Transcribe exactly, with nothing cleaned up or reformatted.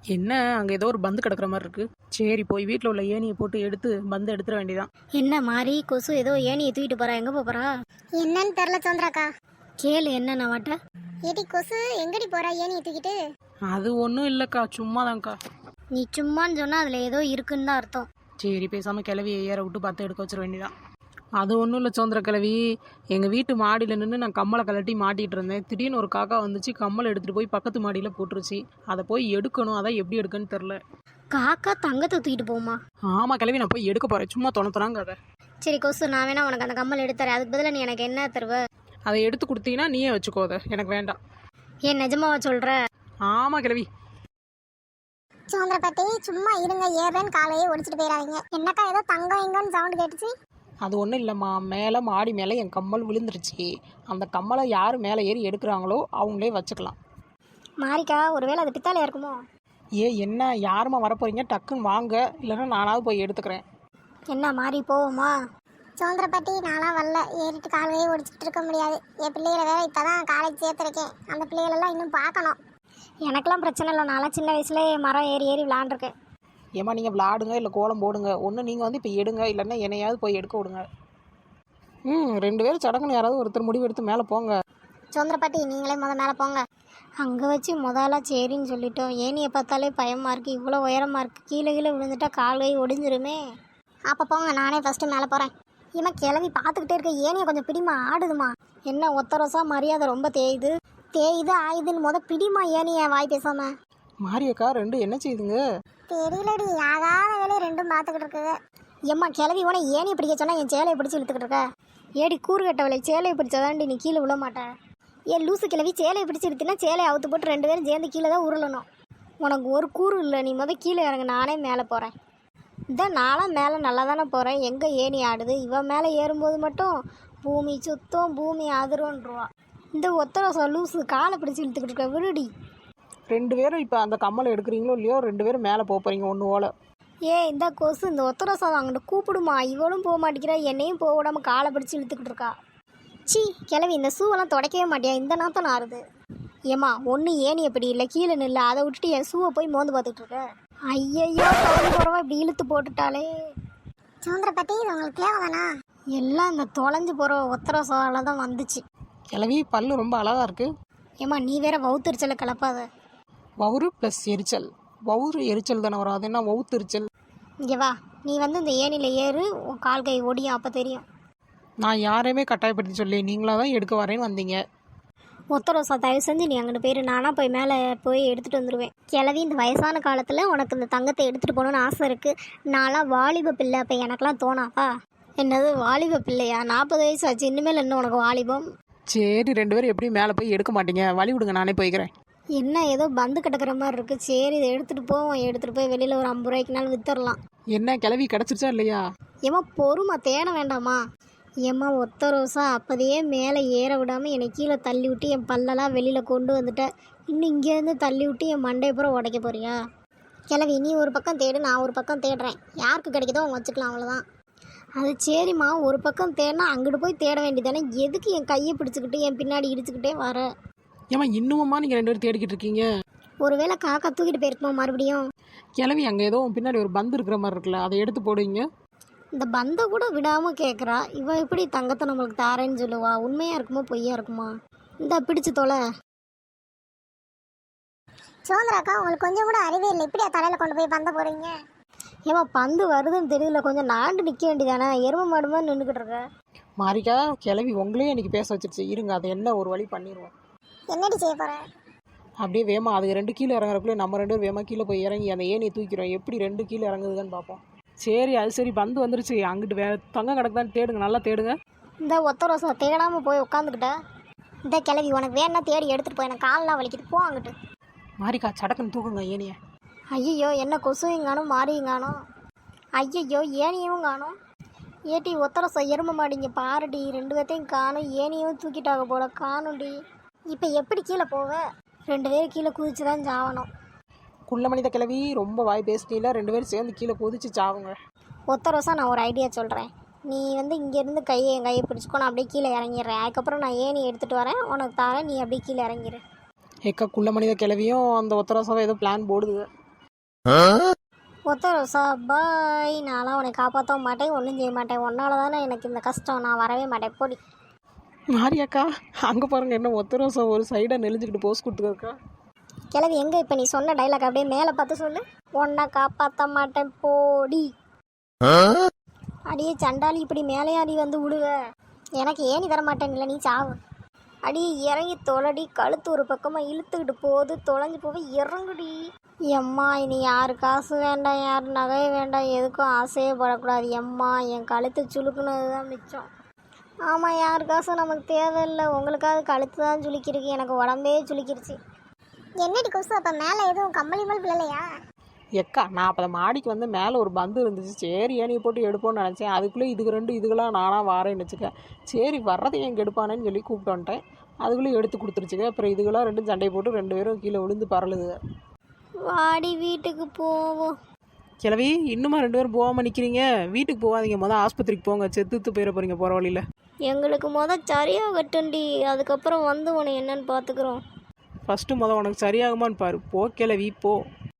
என்ன அங்கே ஏதோ ஒரு பந்து கிடக்குற மாதிரி இருக்கு. சரி போய் வீட்டில் உள்ள ஏணியை போட்டு எடுத்து பந்து எடுத்துட வேண்டியதான். என்ன மாறி கொசு ஏதோ ஏணியை தூக்கிட்டு போறா, எங்க போறா? என்னன்னு தெரியல சந்திராக்கா. கேளு என்ன நான் வாட்ட. ஏடி கொசு எங்கடி போறா ஏணியை தூக்கிட்டு? அது ஒன்றும் இல்லைக்கா, சும்மாதான்க்கா. நீ சும்மான்னு சொன்னா அதுல ஏதோ இருக்குன்னு தான் அர்த்தம். சரி பேசாமல் கிளவியை ஏற விட்டு பார்த்து எடுக்க வச்சிட வேண்டியதான். அது ஒன்றும் இல்லை சோந்திர கிளவி, எங்கள் வீட்டு மாடியில் நின்று நான் கம்மலை கலட்டி மாட்டிகிட்டு இருந்தேன். திடீர்னு ஒரு காக்கா வந்துச்சு, கம்மலை எடுத்துகிட்டு போய் பக்கத்து மாடியில் போட்டுருச்சு. அதை போய் எடுக்கணும், அதான் எப்படி எடுக்கன்னு தெரில. காக்கா தங்கத்தை தூக்கிட்டு போமா? ஆமாம் கிளவி, நான் போய் எடுக்க போகிறேன். சும்மா தொணத்துறாங்க அதை. சரி கொசு, நான் வேணா உனக்கு அந்த கம்மல் எடுத்துறேன். அதுக்கு பதிலாக நீ எனக்கு என்ன தருவ? அதை எடுத்து கொடுத்தீங்கன்னா நீயே வச்சுக்கோ, அதை எனக்கு வேண்டாம். ஏன் நிஜமாவா சொல்ற? ஆமாம் கிளவி. சோந்திர பாட்டி சும்மா இருங்க, ஏறேன்னு காலையே ஒடிச்சிட்டு போயிடாதீங்க. என்னக்கா ஏதோ தங்கம் எங்கன்னு சவுண்டு கேட்டுச்சு? அது ஒன்றும் இல்லைம்மா, மேலே மாடி மேலே என் கம்மல் விழுந்துருச்சு. அந்த கம்மலை யார் மேலே ஏறி எடுக்கிறாங்களோ அவங்களே வச்சுக்கலாம். மாரிக்கா, ஒருவேளை அது பித்தாலையா இருக்குமோ? ஏ என்ன, யாருமா வரப்போறீங்க? டக்குன்னு வாங்க, இல்லைன்னா நானாவது போய் எடுத்துக்கிறேன். என்ன மாறி போவோமா? சோந்திர பாட்டி நான்லாம் வரல, ஏறிட்டு காலையே ஒடிச்சிட்டு இருக்க முடியாது. என் பிள்ளைகளை வேற இப்போதான் காலேஜ் சேர்த்துருக்கேன். அந்த பிள்ளைகளெல்லாம் இன்னும் பார்க்கணும். எனக்கெல்லாம் பிரச்சனை இல்லை, நான்லாம் சின்ன வயசுலேயே மரம் ஏறி ஏறி விளாண்டுருக்கேன். ஏம்மா நீங்கள் விளாடுங்க, இல்லை கோலம் போடுங்க. ஒன்று நீங்கள் வந்து இப்போ எடுங்க, இல்லைன்னா என்னையாவது போய் எடுக்க விடுங்க. ம் ரெண்டு பேரும் சடங்குன்னு யாராவது ஒருத்தர் முடிவு எடுத்து மேலே போங்க. சோந்திர பாட்டி நீங்களே முத மேலே போங்க. அங்கே வச்சு முதல்ல சரின்னு சொல்லிட்டோம். ஏனியை பார்த்தாலே பயமாக இருக்குது, இவ்வளோ உயரமாக இருக்குது. கீழே கீழே விழுந்துட்டா கால் கை ஒடிஞ்சிருமே. அப்போ போங்க, நானே ஃபஸ்ட்டு மேலே போகிறேன். இவன் கிளவி பார்த்துக்கிட்டே இருக்க, ஏனியை கொஞ்சம் பிடிமா, ஆடுதுமா. என்ன ஒத்த ரோசா மரியாதை ரொம்ப தேயுது தேயுது ஆயுதுன்னு முத பிடிமா ஏனியை, வாய் பேசாம. மாரியக்கா ரெண்டு என்ன செய்யுதுங்க? தெரியலடி, ஆகாத வேலையை ரெண்டும் பார்த்துக்கிட்டு இருக்குது. எம்மா கிளவி உன ஏனியை பிடிக்க சொன்னால் என் சேலையை பிடிச்சி இழுத்துக்கிட்டு இருக்க. ஏடி கூறு கட்டவளை, சேலையை பிடிச்சாதாண்டி நீ கீழே விழ மாட்டேன். ஏன் லூசு கிளவி, சேலையை பிடிச்சி இழுத்தினா சேலையை அவுத்து போட்டு ரெண்டு பேரும் சேர்ந்து கீழே தான் உருளணும். உனக்கு ஒரு கூறு இல்லை, நீ முதல் கீழே இறங்க, நானே மேலே போகிறேன். இதான் நானும் மேலே நல்லா தானே போகிறேன். எங்கே ஏணி ஆடுது? இவன் மேலே ஏறும்போது மட்டும் பூமி சுத்தம் பூமி அதிரும்ன்றுவா. இந்த ஒத்தரசம் லூசு காலை பிடிச்சி இழுத்துக்கிட்டு இருக்க, விடுடி. ரெண்டு பேரும் இப்போ அந்த கம்மலை எடுக்கிறீங்களோ இல்லையோ, ரெண்டு பேரும் மேலே போக போகிறீங்க ஒன்று ஓலை. ஏ இந்த கொசு, இந்த ஒத்தரசம் அங்கிட்ட கூப்பிடுமா. இவளும் போக மாட்டேங்கிறா, என்னையும் போக விடாமல் காலை பிடிச்சி இழுத்துக்கிட்டு இருக்கா. சி கிளவி, இந்த ஷூவெல்லாம் துடைக்கவே மாட்டியா? இந்த நாத்தம் ஆறுது. ஏம்மா ஒன்று ஏணி எப்படி இல்லை, கீழே நில்ல. அதை விட்டுட்டு என் ஷூவை போய் மோந்து பார்த்துட்டு இருக்க. ஐயையோ குறவா இப்படி இழுத்து போட்டுட்டாலே. சோந்திர பாட்டி இது உங்களுக்கு தேவைதானா? எல்லாம் இந்த தொலைஞ்சு போகிற ஒத்தரசால தான் வந்துச்சு. கிளவி பல்லு ரொம்ப அழகாக இருக்குது. ஏம்மா நீ வேற வவுத்தரிச்சலை கலப்பாத. வவுறு ப்ளஸ் எரிச்சல். வவுறு எரிச்சல் தானே வரும், அது என்ன வவுத்தரிச்சல்? இங்கே வா, நீ வந்து இந்த ஏணியில் ஏறு, உன் கால் கை ஒடியும், அப்போ தெரியும். நான் யாரையுமே கட்டாயப்படுத்தி சொல்லி, நீங்களாக தான் எடுக்க வரேன்னு வந்தீங்க. ஒத்தரோசா தயவு செஞ்சு நீ அங்கே போயிரு, நானாக போய் மேலே போய் எடுத்துகிட்டு வந்துடுவேன். கிளவி இந்த வயசான காலத்தில் உனக்கு இந்த தங்கத்தை எடுத்துகிட்டு போகணுன்னு ஆசை இருக்குது. நான்லாம் வாலிப பிள்ளை, அப்போ எனக்கெலாம் தோணாப்பா. என்னது வாலிப பிள்ளையா? நாற்பது வயசு ஆச்சு, இனிமேல் என்ன உனக்கு வாலிபம்? சரி ரெண்டு பேரும் எப்படி மேலே போய் எடுக்க மாட்டீங்க, வழி விடுங்க, நானே போய்க்கிறேன். என்ன ஏதோ பந்து கிடக்கிற மாதிரி இருக்குது. சரி இதை எடுத்துகிட்டு போவோம். எடுத்துகிட்டு போய் வெளியில் ஒரு ஐம்பது ரூபாய்க்குனாலும் விற்றுடலாம். என்ன கிளவி கிடச்சிருச்சா இல்லையா? ஏம்மா பொறுமா, தேட வேண்டாமா? ஏம்மா ஒத்த ரோசா அப்போதையே மேலே ஏற விடாமல் என்னை கீழே தள்ளி விட்டு என் பல்லெல்லாம் வெளியில் கொண்டு வந்துட்டேன். இன்னும் இங்கேருந்து தள்ளி விட்டு என் மண்டையை பூரா உடைக்க போறியா? கிளவி நீ ஒரு பக்கம் தேடு, நான் ஒரு பக்கம் தேடுறேன். யாருக்கு கிடைக்குதோ அவங்க வச்சுக்கலாம், அவ்வளோதான். அது சரிம்மா, ஒரு பக்கம் தேடினா அங்கிட்டு போய் தேட வேண்டியதானே. எதுக்கு என் கையை பிடிச்சிக்கிட்டு என் பின்னாடி இடிச்சுக்கிட்டே வர? ஏமா இன்னுமா நீங்கள் ரெண்டு பேரும் தேடிக்கிட்டு இருக்கீங்க? ஒருவேளை காக்கா தூக்கிட்டு போயிருக்குமா மறுபடியும்? கிளவி அங்கே ஏதோ பின்னாடி ஒரு பந்து இருக்கிற மாதிரி இருக்குல்ல, அதை எடுத்து போடுவீங்க. இந்த பந்தை கூட விடாமல் கேட்குறா. இவன் எப்படி தங்கத்தை நம்மளுக்கு தாரேன்னு சொல்லுவா? உண்மையாக இருக்குமோ பொய்யா இருக்குமா? இந்த பிடிச்சு தொலை. சோந்திராக்கா உங்களுக்கு கொஞ்சம் கூட அறிவே இல்லை, இப்படியா தலையில் கொண்டு போய் பந்த போகிறீங்க? ஏமா பந்து வருதுன்னு தெரியல, கொஞ்சம் நாண்டு நிற்க வேண்டியதானே? எருமை மாடு மாதிரி நின்றுக்கிட்டு இருக்க. மாரிக்கா கிளவி உங்களே இன்னைக்கு பேச வச்சிருச்சு, இருங்க அதை என்ன ஒரு வழி பண்ணிடுவோம். என்னடி செய்ய போகிறேன்? அப்படியே வேமா அது ரெண்டு கீழே இறங்குறக்குள்ளே நம்ம ரெண்டு பேரும் வேமா கீழே போய் இறங்கி அந்த ஏணியை தூக்கிறோம். எப்படி ரெண்டு கீழே இறங்குதுன்னு பார்ப்போம். சரி அது சரி, பந்து வந்துருச்சு. அங்கிட்டு வே தங்கம் கிடக்குதான்னு தேடுங்க, நல்லா தேடுங்க. இந்த ஒத்த ரோசா தேடாமல் போய் உட்காந்துக்கிட்ட. இந்த கிளவி உனக்கு வேணா தேடி எடுத்துகிட்டு போய், எனக்கு காலெலாம் வலிக்குது, போ அங்கிட்டு. மாரிக்கா சடக்குன்னு தூக்குங்க ஏனியை. ஐயோ என்ன கொசுவையும் காணும் மாறியும் காணும். ஐயையோ ஏனியும் காணும். ஏட்டி ஒத்தரசா எருமை மாடிங்க பாருடி, ரெண்டு பேர்த்தையும் காணும். ஏனியும் தூக்கிட்டாக போல காணும்டி. இப்போ எப்படி கீழே போவ? ரெண்டு பேரும் கீழே குதிச்சு தான் சாவணும். குள்ள மனித கிளவி ரொம்ப வாய் பேசிட்டீங்களா, ரெண்டு பேரும் சேர்ந்து கீழே குதிச்சு சாவுங்க. ஒத்தரசா நான் ஒரு ஐடியா சொல்கிறேன். நீ வந்து இங்கேருந்து கையை என் கையை பிடிச்சிக்கோ, நான் அப்படியே கீழே இறங்கிடுறேன். அதுக்கப்புறம் நான் ஏணி எடுத்துகிட்டு வரேன், உனக்கு தரேன், நீ அப்படியே கீழே இறங்கிடு. ஏக்கா குள்ள மனித கிளவியும் அந்த ஒத்தரசாவை ஏதோ பிளான் போடுது. ஒத்த ரோசா பாய். நான்லாம் உன்னை காப்பாற்ற மாட்டேன், ஒன்றும் செய்ய மாட்டேன். உன்னால தானே எனக்கு இந்த கஷ்டம். நான் வரவே மாட்டேன், போடி. மாரியாக்கா அங்கே பாருங்க என்ன ஒத்த ரோசா ஒரு சைடாக நெளிஞ்சுக்கிட்டு போஸ் கொடுத்துருக்கா. கிளவி எங்கே இப்போ நீ சொன்ன டைலாக் அப்படியே மேலே பார்த்து சொல்லு. உன்னை காப்பாற்ற மாட்டேன் போடி. அடியே சண்டாளி, இப்படி மேலையாடி வந்து விடுவ. எனக்கு ஏனி தர மாட்டேன் இல்லை, நீ சாவு. அடி இறங்கி தொலைடி. கழுத்து ஒரு பக்கமாக இழுத்துக்கிட்டு போகுது, தொலைஞ்சு போக இறங்குடி. எம்மா இனி யாரு காசு வேண்டாம், யார் நகை வேண்டாம், எதுக்கும் ஆசையே படக்கூடாது. எம்மா என் கழுத்து சுளுக்குனது தான் மிச்சம். ஆமாம், யார் காசும் நமக்கு தேவையில்லை. உங்களுக்காவது கழுத்து தான் சுளுக்கிருக்கு, எனக்கு உடம்பே சுளுக்கிருச்சு. என்னடி கொசு, அப்போ மேலே எதுவும் கம்பளி மல் பிள்ளையா? எக்கா நான் அப்போ மாடிக்கு வந்து மேலே ஒரு பந்து இருந்துச்சு, சரி ஏனியை போட்டு எடுப்போன்னு நினச்சேன். அதுக்குள்ளே இதுக்கு ரெண்டு இதுக்கெல்லாம் நானாக வாரேன்னு வச்சுக்கேன். சரி வர்றதை எங்கே எடுப்பானேன்னு சொல்லி கூப்பிட்டு வந்துட்டேன். அதுக்குள்ளே எடுத்து கொடுத்துருச்சுங்க. அப்புறம் இதுக்கெல்லாம் ரெண்டும் சண்டை போட்டு ரெண்டு பேரும் கீழே விழுந்து பரலுது. வாடி வீட்டுக்கு போவோம். கிளவி இன்னுமா ரெண்டு பேரும் போகாமல் நிற்கிறீங்க? வீட்டுக்கு போகாதீங்க, மொதல் ஆஸ்பத்திரிக்கு போங்க, செத்துத்து போயிட போகிறீங்க போகிற வழியில். எங்களுக்கு மொதல் சரியாக கட்டுண்டி, அதுக்கப்புறம் வந்து உன்னை என்னன்னு பார்த்துக்குறோம். ஃபஸ்ட்டு மொதல் உனக்கு சரியாகுமான்னு பாரு. போ கிளவி போ.